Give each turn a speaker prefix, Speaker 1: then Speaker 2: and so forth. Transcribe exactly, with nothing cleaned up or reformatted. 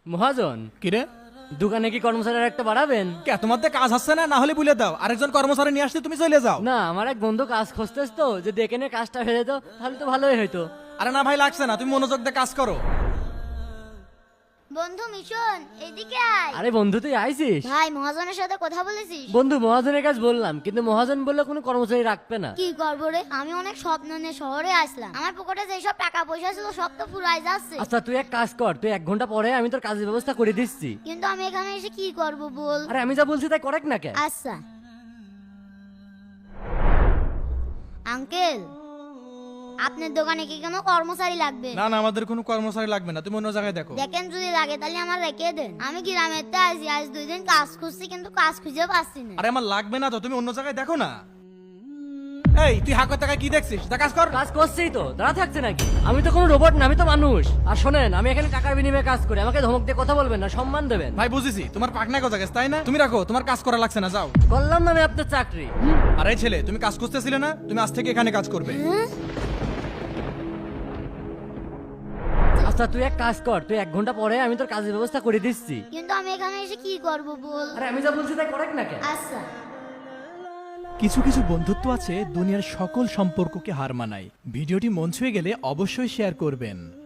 Speaker 1: মহাজন,
Speaker 2: কিরে
Speaker 1: দোকানে কি কর্মচারীর একটা বাড়াবেন?
Speaker 2: কে তোমার তো কাজ হচ্ছে না, না হলে বলে দাও আরেকজন কর্মচারী নিয়ে আসতে তুমি চলে যাও।
Speaker 1: না, আমার এক বন্ধু কাজ খুঁজতেছ তো, যদি এখানে কাজটা হয়ে যেত তাহলে তো ভালোই হইতো।
Speaker 2: আরে না ভাই, লাগছে না, তুমি মনোযোগ দিয়ে কাজ করো।
Speaker 3: বন্ধু মিশন এদিকে আয়।
Speaker 1: আরে বন্ধু, তুই আইছিস?
Speaker 3: ভাই মহাজনের সাথে কথা বলেছিস?
Speaker 1: বন্ধু, মহাজনের কাজ বললাম, কিন্তু মহাজন বললো কোনো কর্মচারী রাখবে না।
Speaker 3: কি করবো রে, আমি অনেক স্বপ্ন নিয়ে শহরে আসলাম, আমার পকেটে যেসব টাকা পয়সা ছিল সব তো ফুরাই যাচ্ছে।
Speaker 1: আচ্ছা তুই এক কাজ কর, তুই এক ঘন্টা পরে আমি তোর কাজের ব্যবস্থা করে দিচ্ছি।
Speaker 3: কিন্তু আমি এখানে এসে কি করব বল?
Speaker 1: আরে আমি যা বলছি তাই করেক না কে?
Speaker 3: আচ্ছা আঙ্কেল, আপনার দোকানে কি কোনো কর্মচারী লাগবে?
Speaker 2: না না, আমাদের কোনো কর্মচারী লাগবে না, তুমি অন্য জায়গায় দেখো।
Speaker 3: দেখেন যদি লাগে তাহলে আমার রেখে দেন, আমি গ্রামের তে আছি, আজ দুই দিন কাজ খুঁজছি কিন্তু কাজ খুঁজে পাচ্ছি না।
Speaker 2: আরে আমার লাগবে না তো, তুমি অন্য জায়গায় দেখো না। এই তুই হাঁকর টাকা কি দেখছিস, যা কাজ কর।
Speaker 1: কাজ করছেই তো, দাঁড়া থাকছে নাকি? আমি তো কোনো রোবট না, আমি তো মানুষ। আর শোনেন, আমি এখানে টাকার বিনিময়ে কাজ করি, আমাকে ধমক দিয়ে কথা বলবেন না, সম্মান দেবেন।
Speaker 2: ভাই বুঝেছি, তোমার পাকনা কথা গেছে তাই না, তুমি রাখো, তোমার কাজ করা লাগছে না, যাও।
Speaker 1: করলাম না আমি আপনার চাকরি।
Speaker 2: আরে ছেলে, তুমি কাজ করতেছিলে না, তুমি আজ থেকে এখানে কাজ করবে।
Speaker 1: আচ্ছা তুই এক কাজ কর, তুই এক ঘন্টা পরে আমি তোর কাজের ব্যবস্থা করে দিচ্ছি।
Speaker 3: কিন্তু আমি এখানে এসে কি করব বল?
Speaker 1: আরে আমি যা বলছি তাই করেক না কে?
Speaker 3: আচ্ছা
Speaker 4: কিছু কিছু বন্ধুত্ব আছে দুনিয়ার সকল সম্পর্ককে হার মানায়। ভিডিওটি মন ছুঁয়ে গেলে অবশ্যই শেয়ার করবেন।